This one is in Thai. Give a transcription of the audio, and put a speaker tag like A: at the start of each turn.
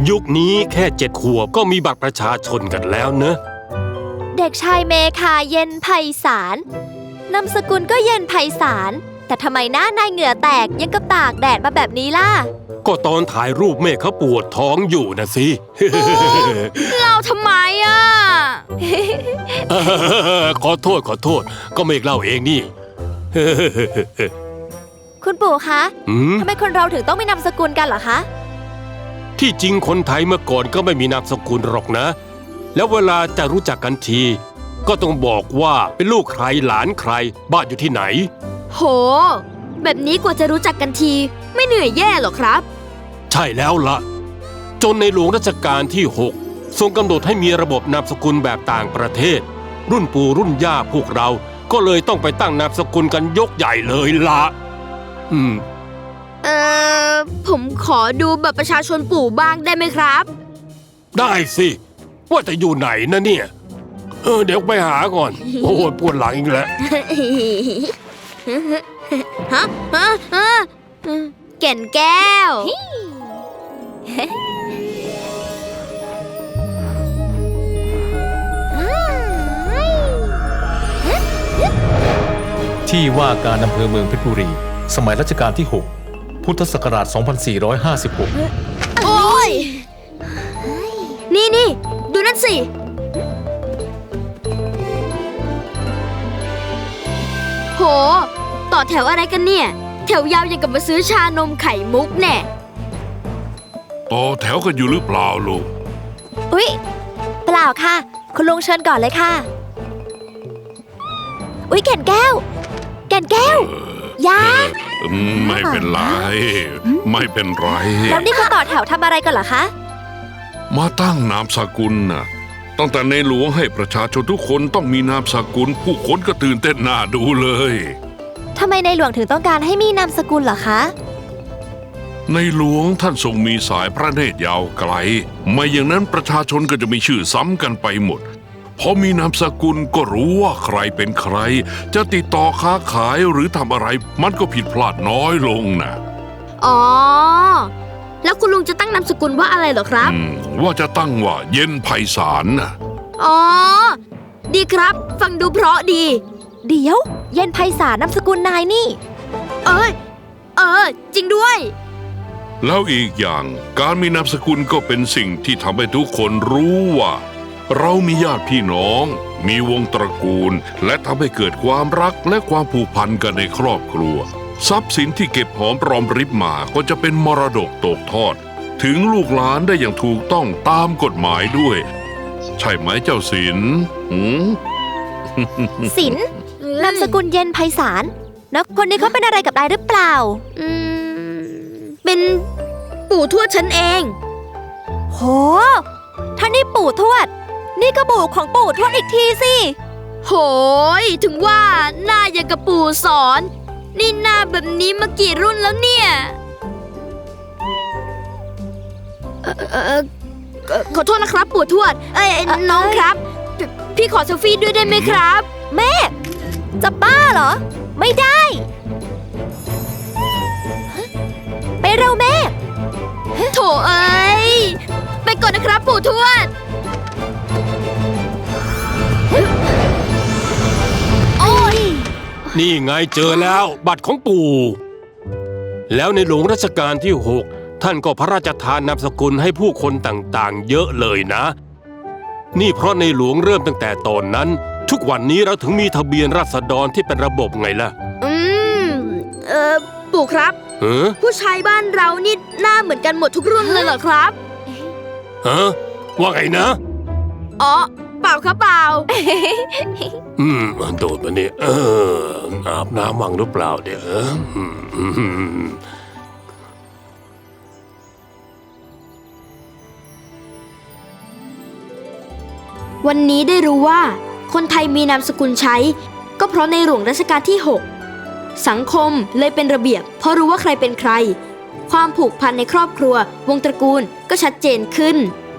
A: ยุคนี้แค่7 ขวบก็มีบัตรประชาชนกันแล้วเนอะ
B: เด็กชายเมคาเย็นไพศาลนามสกุลก็เย็นไพศาลแต่ทำไมหน้านายเหงื่อแตกยังกับตากแดดมาแบบนี้ล่ะ
A: ก็ตอนถ่ายรูปเมฆเขาปวดท้องอยู่นะสิ
B: เราทำไมอ่ะ
A: ขอโทษก็เมฆเล่าเองนี่
B: คุณปู่คะทำไมคนเราถึงต้องมีนามสกุลกันเหรอคะ
A: ที่จริงคนไทยเมื่อก่อนก็ไม่มีนามสกุลหรอกนะแล้วเวลาจะรู้จักกันทีก็ต้องบอกว่าเป็นลูกใครหลานใครบ้านอยู่ที่ไหน
B: โหแบบนี้กว่าจะรู้จักกันทีไม่เหนื่อยแย่หรอครับ
A: ใช่แล้วล่ะจนในหลวงรัชกาลที่6ทรงกำหนดให้มีระบบนามสกุลแบบต่างประเทศรุ่นปู่รุ่นย่าพวกเราก็เลยต้องไปตั้งนามสกุลกันยกใหญ่เลยล่ะ
B: ผมขอดูบัตรประชาชนปู่บ้างได้ไหมครับ
A: ได้สิว่าแต่อยู่ไหนนะเนี่ยเดี๋ยวไปหาก่อนโอ้ยปวดหลังอีกแล้ว
B: แก่นแก้ว
C: ที่ว่าการอำเภอเมืองเพชรบุรีสมัยรัชกาลที่6พุทธศักราช2456
B: โอ้ยนี่ดูนั่นสิโหต่อแถวอะไรกันเนี่ยแถวยาวอย่างกับมาซื้อชานมไข่มุกแน่
D: ต่อแถวกันอยู่หรือเปล่าลูก
B: อุ๊ยเปล่าค่ะคุณลุงเชิญก่อนเลยค่ะอุ๊ยแก่นแก้วยา
D: ไม่เป็นไรไม่เป็นไร
B: แล้วนี่เขาต่อแถวทำอะไรกันเหรอคะ
D: มาตั้งนามสกุลน่ะตั้งแต่ในหลวงให้ประชาชนทุกคนต้องมีนามสกุลผู้คนก็ตื่นเต้นน่าดูเลย
B: ทำไมในหลวงถึงต้องการให้มีนามสกุลเหรอคะ
D: ในหลวงท่านทรงมีสายพระเนตรยาวไกลไม่อย่างนั้นประชาชนก็จะมีชื่อซ้ำกันไปหมดพอมีนามสกุลก็รู้ว่าใครเป็นใครจะติดต่อค้าขายหรือทำอะไรมันก็ผิดพลาดน้อยลงนะ
B: อ๋อแล้วคุณลุงจะตั้งนามสกุลว่าอะไรเหรอครับ
D: ว่าจะตั้งว่าเย็นไพศาลนะ
B: อ๋อดีครับฟังดูเพราะดีเดี๋ยวเย็นไพศาลนามสกุลนายนี่จริงด้วย
D: แล้วอีกอย่างการมีนามสกุลก็เป็นสิ่งที่ทำให้ทุกคนรู้ว่าเรามีญาติพี่น้องมีวงตระกูลและทำให้เกิดความรักและความผูกพันกันในครอบครัวทรัพย์สินที่เก็บหอมรอมริบมาก็จะเป็นมรดกตกทอดถึงลูกหลานได้อย่างถูกต้องตามกฎหมายด้วยใช่ไหมเจ้าศิลป์
B: ศิลป์นามสกุลเย็นไพศาลแล้วคนนี้เขาเป็นอะไรกับนายหรือเปล่าเป็นปู่ทวดฉันเองโหท่านนี่ปู่ทวดนี่ก็ปู่ของปู่ทวดอีกทีสิโหยถึงว่าหน้าอย่างกับปู่สอนนี่หน้าแบบนี้มากี่รุ่นแล้วเนี่ยขอโทษนะครับปู่ทวดน้องครับพี่ขอเซลฟี่ด้วยได้ไหมครับแม่จะบ้าเหรอไม่ได้ไปเร็วแม่โถเอ้ยไปก่อนนะครับปู่ทวดโอ้ย
A: นี่ไงเจอแล้วบัตรของปู่แล้วในหลวงรัชกาลที่6ท่านก็พระราชทานนามสกุลให้ผู้คนต่างๆเยอะเลยนะนี่เพราะในหลวงเริ่มตั้งแต่ตอนนั้นทุกวันนี้เราถึงมีทะเบียนราษฎรที่เป็นระบบไงล่ะ
B: ปู่ครับผู้ชายบ้านเรานี่หน้าเหมือนกันหมดทุกรุ่นเลยเหรอครับ
A: ว่าไงนะ
B: อ๋อเปล่าครับเปล่า
A: โดดมาเนี่ยอาบน้ำวังหรือเปล่าเดี๋ยว
B: วันนี้ได้รู้ว่าคนไทยมีนามสกุลใช้ก็เพราะในหลวงรัชกาลที่6สังคมเลยเป็นระเบียบเพราะรู้ว่าใครเป็นใครความผูกพันในครอบครัววงตระกูลก็ชัดเจนขึ้น